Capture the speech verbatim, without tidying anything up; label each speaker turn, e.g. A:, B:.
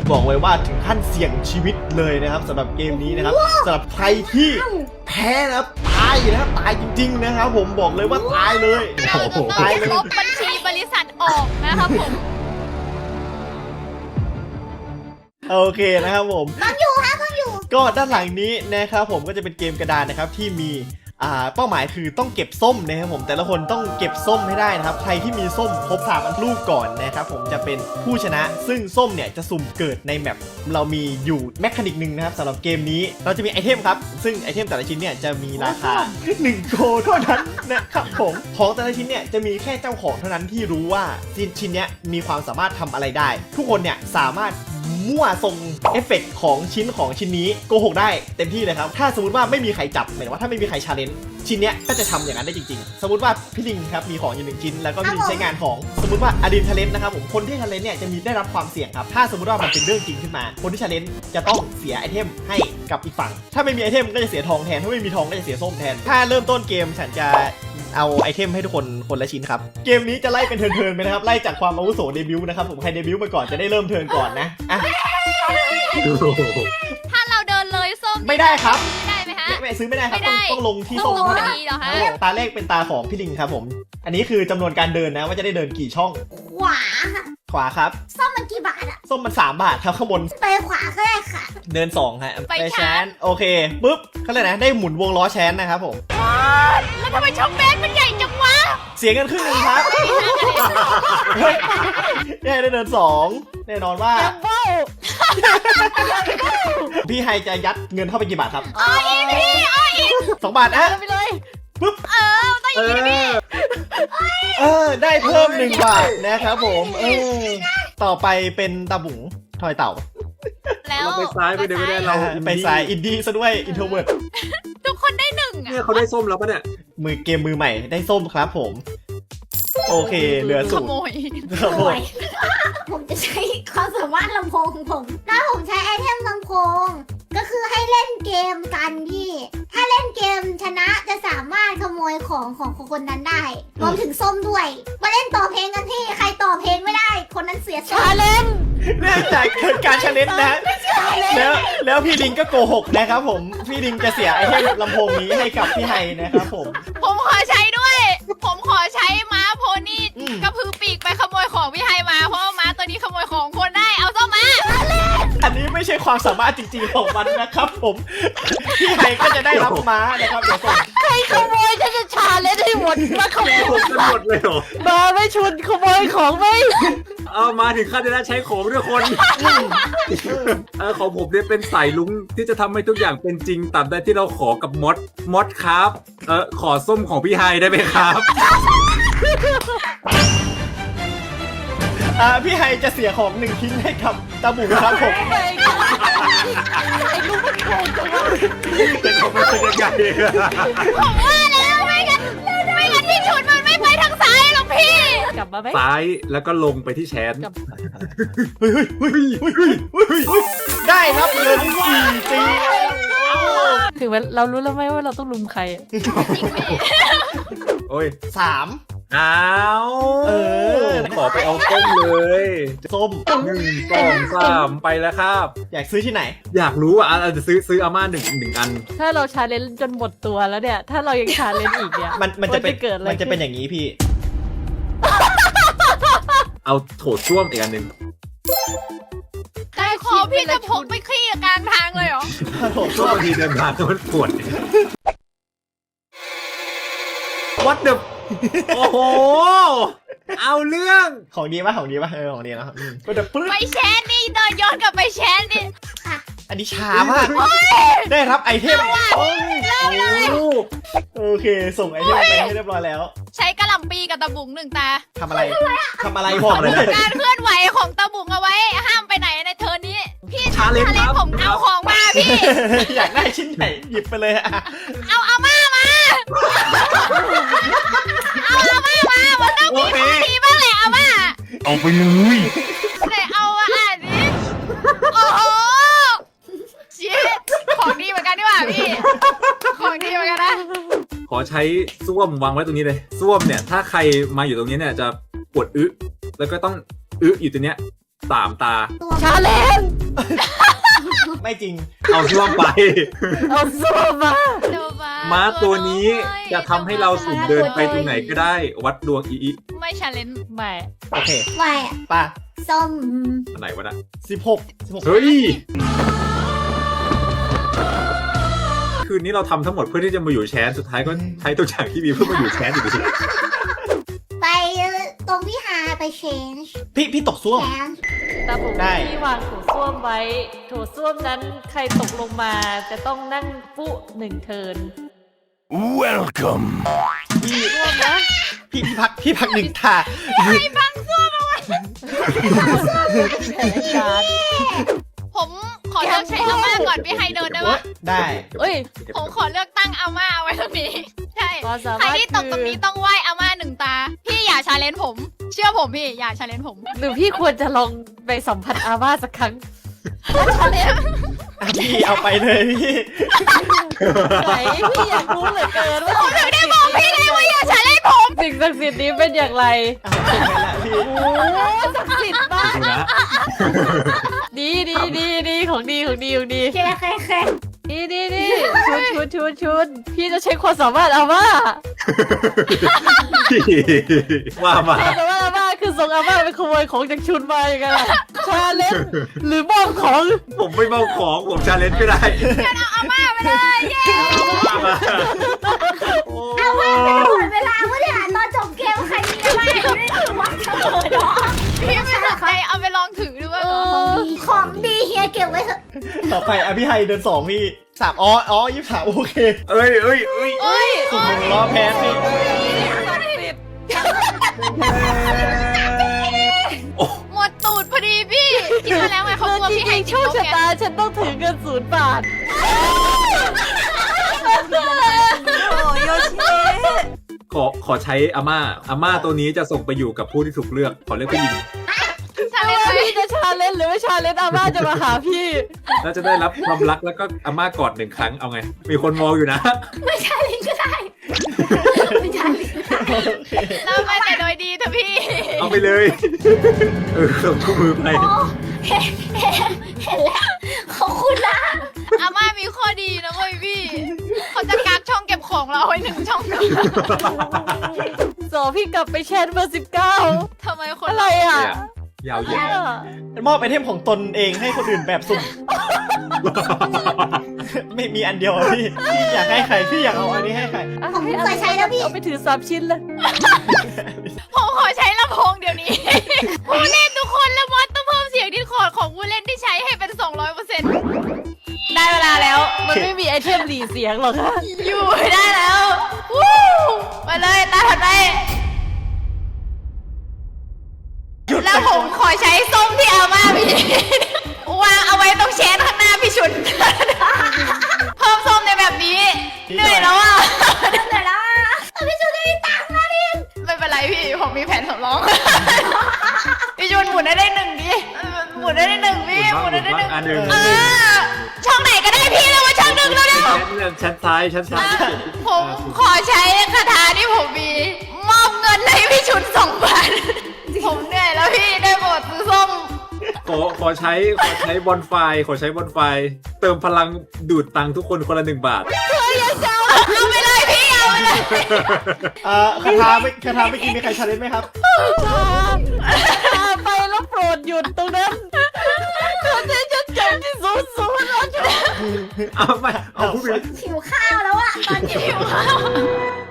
A: บอกเลยว่าถึงขั้นเสี่ยงชีวิตเลยนะครับสำหรับเกมนี้นะครับสำหรับใครที่แพ้นะครับตายนะครับตายจริงๆนะครับผมบอกเลยว่าตายเลย
B: เราจะต้องลบบัญชีบริษัทออกนะครับผม
A: โอเคนะครับผม
C: ต้องอยู่ฮะต้องอยู่
A: ก็ด้านหลังนี้นะครับผมก็จะเป็นเกมกระดานนะครับที่มีอ่าเป้าหมายคือต้องเก็บส้มนะครับผมแต่ละคนต้องเก็บส้มให้ได้นะครับใครที่มีส้มครบสามอันลูกก่อนนะครับผมจะเป็นผู้ชนะซึ่งส้มเนี่ยจะสุ่มเกิดในแมปเรามีอยู่แมคานิกหนึ่งนะครับสำหรับเกมนี้เราจะมีไอเทมครับซึ่งไอเทมแต่ละชิ้นเนี่ยจะมีราคาหนึ่งโกเท่านั้นนะครับผมของแต่ละชิ้นเนี่ยจะมีแค่เจ้าของเท่านั้นที่รู้ว่าชิ้นเนี้ยมีความสามารถทำอะไรได้ทุกคนเนี่ยสามารถมั่วทรงเอฟเฟกต์ของชิ้นของชิ้นนี้โกหกได้เต็มที่เลยครับถ้าสมมติว่าไม่มีใครจับหมายถึงว่าถ้าไม่มีใครชาเลนจ์ชิ้นเนี้ยก็จะทำอย่างนั้นได้จริงๆสมมติว่าพี่ลิงครับมีของอยู่หนึ่งชิ้นแล้วก็พี่ลิงใช้งานของสมมติว่าอดินชาเลนจ์นะครับผมคนที่ชาเลนจ์เนี่ยจะมีได้รับความเสี่ยงครับถ้าสมมติว่ามันเป็นเรื่องจริงขึ้นมาคนที่ชาเลนจ์จะต้องเสียไอเทมให้กับอีกฝั่งถ้าไม่มีไอเทมก็จะเสียทองแทนถ้าไม่มีทองก็จะเสียส้มแทนถ้าเริ่มต้นเกมฉันจะเอาไอเทมให้ทุกคนคนละชิ้นครับเกมนี้จะไล่เป็นเทิร์นๆไปนะครับไล่จากความอาวุโสเดบิวต์นะครับผมใครเดบิวต์มาก่อนจะได้เริ่มเทิร์นก่อนนะอ่ะ
B: ถ้าเราเดินเลยส้ม
A: ไม่ได้ครับ
B: ไม่ได้ไหมฮะ
A: ไม่ซื้อไม่ได้ครับต้องต้องลงที่ส้มเท่านั้นตาแรกเป็นตาของพี่ลิงครับผมอันนี้คือจำนวนการเดินนะว่าจะได้เดินกี่ช่อง
C: ขวา
A: ขวาครับ
C: ส้มมันกี่บาทอะ
A: ส้มมันสามบาทครับข้างบน
C: ไปขวาก็ได้ค่ะ
A: เดินสองฮะไปแชนโอเคปุ๊บเขาเลยนะได้หมุนวงล้อแชนนะครับผม
B: แล้วทำไมช่องแบนมันใหญ่จังวะ
A: เสียงกันครึ่งนึงครับได้ได้เดินสองแน่นอนว่าพี่ไฮจะยัดเงินเข้าไปกี่บาทครับ
B: อ๋ออีพี่อ๋ออี
A: สองบาทนะ
B: ไปเลย
A: ปุ๊บ
B: เออต้องอย่างนี้พี่
A: เออได้เพิ่มหนึ่งบาทนะครับผมเออต่อไปเป็นตาบุ๋งทอยเต่า
B: แล้ว
D: ไปซ้ายไปเดี๋ยวไม่ได้เรา
A: ไปซ้ายอินดี้ซะด้วยอินโทรเวิร์ด
B: ทุกคนได้หนึ่งอ่ะ
D: เนี่ยเขาได้ส้มแล้วปะเนี่ย
A: มือเกมมือใหม่ได้ส้มครับผมโอเคเหลือสูตร
B: ขโมย
A: ขโมย
C: ผมจะใช้ความสามารถลำโพงของผมถ้าผมใช้ไอเทมลำโพงก็คือให้เล่นเกมกันพี่ถ้าเล่นเกมชนะจะสามารถขโมยของของคนนั้นได้รวมถึงส้มด้วยมาเล่นต่อเพลงกันพี่ใครต่อเพลงไม่ได้คนนั้นเสียชา
B: เลน
A: เนื่องจากเกิดการชาเลนจ์นะแล้วแล้วพี่ลิงก็โกหกนะครับผมพี่ลิงจะเสียไอเทมลำโพงนี้ให้กับพี่ไฮนะครับผม
B: ผมขอใช้ด้วยผมขอใช้ม้าโพนี่กระพือปีกไปขโมยของพี่ไฮมาเพราะม้าตัวนี้ขโมยของคนได้เอาส้มมา
A: อันนี้ไม่ใช่ความสามารถจริงๆของมันนะครับผมพี่ไฮก็จะได้รับม้านะครับเดี๋ยวส่ง
B: ใครขโมยจะจะชาเลนจ์ให้หมดมาขโมย
D: หมดเลยเหรอ
B: มาไม่ชุนขโมยของไม่
D: เอามาถึงขั้นจะใช้ของด้วยคนเออของผมเนี่ยเป็นสายลุงที่จะทำให้ทุกอย่างเป็นจริงตามได้ที่เราขอกับมดมดครับเออขอส้มของพี่ไฮได้ไหมครับ
A: อ่าพี่ไฮจะเสียของหนึ่งชิ้นให้กับตาบุ๋มครับผม
B: ไอ้ลูกมันโกงจังวะ
D: เป็นของมันเป็นยังไง
B: ผมว่าแล้วไม่งั้นไม่งั้นที่ชุดมันไม่ไปทางซ้ายหรอกพี่กลับมาไหม
D: ซ้ายแล้วก็ลงไปที่แชน
A: เฮ้ยเฮ้ยเฮ้ยเฮ้ยเฮ้ยได้รับเงินสี่ปี
B: ถึงเรารู้แล้วไหมว่าเราต้องลุมใคร
D: โอ้ย
A: สาม
D: อ้าว
A: เออ
D: ขอไปเอาส้มเลย
A: ส้ม
D: หนึ่งสองสามไปแล้วครับ
A: อยากซื้อที่ไหน
D: อยากรู้อ่ะเราจะซื้อซื้ออาม่าหนึ่งหนึ่งอัน
B: ถ้าเราชาเลนจ์จนหมดตัวแล้วเนี่ยถ้าเรายังชาเลนจ์อีกเนี่ย
A: มันมันจะเป็นมันจะเป็นอย่างนี้พี่
D: เอาโถส้วมอีกอันหนึ่ง
B: ใครขอพี่จะพกไปขี้กลางทางเลยเหรอ
A: โถส้วม
D: ทีเดินทางมันปวดวัดเดบโอ้โหเอาเรื่อง
A: ของดีป่ะของดีป่ะเออของดีนะก็จะ
B: ไปแชนนี่เดินย้อนกลับไปแชนนี่
A: อันนี้ช้ามากได้รับไอเทมโอเคส่งไอเทมไปให้เรียบร้อยแล้ว
B: ใช้กระหล่ำปีกับตะบุ๋งหนึ่งตา
A: ทำอะไรทำอะไรบอกเลย
B: การเคลื่อนไหวของตะบุ๋งเอาไว้ห้ามไปไหนในเทอร์นี้พี่ชาเลนจ์ผมเอาของมาพี่
A: อยากได้ชิ้นไหนหยิบไปเลยอะ
B: เอาอาม่ามาเอาอาม่ามามันต้องมีของดีบ้างแหละอาม่า
A: เอาไปเลย
B: แต่เอาอ่ะนี่โอ้โหชี้ของดีเหมือนกันดีกว่าพี่ของดีเหมือนกันนะ
D: ขอใช้ส้วมวางไว้ตรงนี้เลยส้วมเนี่ยถ้าใครมาอยู่ตรงนี้เนี่ยจะปวดอึแล้วก็ต้องอึอยู่ตรงเนี้ยสามตา
C: ตัว
B: ชาเลน
A: ไม่จริง
D: เอาช่วงไป
B: เอาส้มมา
D: ม้าตัวนี้จะทำให้เราสุ่มเดินไปตรงไหนก็ได้ วัดดวงอีอี
B: ไม่ชาเลนไม่
A: โอเค
C: ไวอะ
A: ป่ะ
C: ส้ม
D: อันไหนวะนะ
A: สิบหกสิบหก
D: เฮ้ย คืนนี้เราทำทั้งหมดเพื่อที่จะมาอยู่แชนสุดท้ายก็ใช้ตัวอย่างที่มีเพื่อมาอยู่แชนอยู่ดี
C: ไปตรงพี่ฮาไป change
A: พี่พี่ตกซ่วม
C: change
E: แต่ผม
A: ได้
E: ที่วางโถส้วมไว้โถส้วมนั้นใครตกลงมาจะต้องนั่งปุ๊หนึ่งเทิร์น
F: Welcome.
A: พี่
E: ส้วมนะ
A: พี่พี่พักพี่พักหนึ่งท่า
E: แผนการ
B: ผมขอเลือกใช้อาม่าก่อนพี่ไฮเดินได้
A: โอ๊
B: ปะ
A: ยได้
E: เอ้ย
B: ผมขอเลือกตั้งอาม่าเอาไว้ตรงนี้ ใช่
E: ความสา
B: ใคร
E: มารถ
B: ที่ตกตรงนี้ต้องไหว้อาม่าหนึ่งตา พี่อย่าชาเลนผม เชื่อผมพี่อย่าชาเลนผม
E: หรือพี่ควรจะลองไปสัมผัสอาม่าสักครั้ง
B: ชาเลน
A: อ่ะพี่เอาไปเลยพี่
E: ไหนพี่อยากรู้เหลือเกินว่า
B: ผมถึงได้บอกพี่ไงว่าอย่าชาเลนผม
E: สิ่งศักดิ์สิทธิ์นี้เป็นอย่างไร
A: เอาเก่งไปละพี่
E: โอ้ศักดิ์สิทธิ์มาก
D: ๆนะ
E: ดีดีดีดีของดีของดีของดี
C: แค่แค่แค่
E: ดีดีดีชุนชุนชุนชุนพี่จะใช้ความสามารถอาม่า
D: ว่ามา
E: ความสามารถอาม่าคือส่งอาม่าไปขโมยของจากชุนมาอย่างไงล่ะชาเลนจ์หรือมอบของ
D: ผมไม่เมาของผมชาเลนจ์ก็ได้
B: อาม่าไปเลยเย้
D: ว่ามา
C: เอาไว้เป็นหมดเวลาเมื่อเนี่ยตอนจบเกมใครมีอะไรไม่ได้ถือว่าจะเลยเนาะ
B: พี่ไม่สนใจเอาไปลองถือดูว่า
C: ของดีเฮียเก็บไว้เถอะ
A: ต่อไปอ่ะพี่ไฮเดินสองพี่สามอ๋ออ๋อยี่สิบสามโอเค
D: เอ้ยเอ้ยเอ้ย
B: เอ้ย
A: สุ่มหนึ่งล้อแพ้พี่
E: ศักดิ์สิทธิ์
D: โอ้
B: หมดตูดพอดีพี่คิดมาแล้วไงเขากลัว
E: จ
B: พี่ไฮ
E: ริงๆโช
B: ติด
E: ค
B: ลบ
E: ชะ
B: ไง
E: ตาฉันต้องถือเงินศูนย์บาท
D: ขอขอใช้อาม่าอาม่าตัวนี้จะส่งไปอยู่กับผู้ที่ถูกเลือก ขอเลือกผู้หญิง
B: ชาเลน
E: ว่า
B: ไหม
E: พี่จะชาเลนจ์หรือไม่ชาเลนจ์อาม่าจะมาหาพี่
D: แล้วจะได้รับความรักแล้วก็อาม่ากอดหนึ่งครั้งเอาไง มีคนมองอยู่นะ
C: ไม่ใช่ลิงก็ได้ไม่ใช่ลิงก็ได้
A: โอเค
B: เราไปแต่โดยดีเถอะพี่
D: เอาไปเลยเออส่งคู่มือไป
C: โอ้เห็นเห็นเห็นแล้วขอบคุณนะ
B: อาม่ามีข้อดีนะเว้ยพี่เขาจะกักช่องเก็บของเราไว้หนึ่งช่องนะ
E: สอพี่กลับไปแชทเบอร์สิบเก้า
B: ทำไมคน
E: อะไรอ่ะ
D: ยาวเหยียด
A: มอบไอเทมของตนเองให้คนอื่นแบบสุ่ม ไม่มีอันเดียวอะพี่พี่อยากให้ใครพี่อยากเอาอันนี้ให้ใคร
C: ผมเคยใช้แล้วพี่
E: เอาไปถือสามชิ้นเลย
B: ผมขอใช้ลำโพงเดี๋ยวนี้ ผู้เล่นทุกคนและมอสต้องเพิ่มเสียงดิสคอร์ดของผู้เล่นที่ใช้ให้เป็น สองร้อยเปอร์เซ็นต์ ได้เวลาแล้ว
E: มันไม่มีไอเทมหลีเสียงหรอกค่ะ
B: อยู่ได้แล้ววู้ไปเลยตาถัดไปแล้วผมขอใช้ส้มที่อาม่าพี่วางเอาไว้ตรงเชนข้างหน้าพี่ชุน เพิ่มส้มในแบบนี้เหนื่อยแล้วอ่ะ
C: เดี๋ยวนะพี่จูจะมีตังค์นะพี่
B: ไม่เป็นไรพี่ผมมีแผนสำรอง พี่ชุนหมุนได้ได้หนึ่งดิหมุนได้ได้หนึ่งพี่หมุนได้ได้หนึ่ง
D: อันหนึ่ง
B: เออช่องไหนก็ได้พี่เลยว่าช่องหนึ่งแล้วเนี่ย
D: ชั้นซ้ายชั้นซ้าย
B: ผมขอใช้คาถาที่ผมมี มอบเงินให้พี่ชุนสองบาทผมเหนื่อยแล้วพี่ได้โปรดซื้อส้ม
D: ขอขอใช้ขอใช้บอลไฟขอใช้บอลไฟ เติมพลังดูดตังค์ทุกคนคนละหนึ่งบาท
B: เอาไปเลยพี่เอาไปเลย
A: เอ่อคาถาไม่คาถาไม่อกินมีใครชาเลนจ์ไหมครับ
E: พาไปแล้วโปรดหยุดตรงนั้นเขาจะจดจำที่ศูนย์ศูนย์เอา
D: เอาไปเอาผู้บิน
C: หิวข้าวแล้วอะตอนนี้
B: หิวข้าว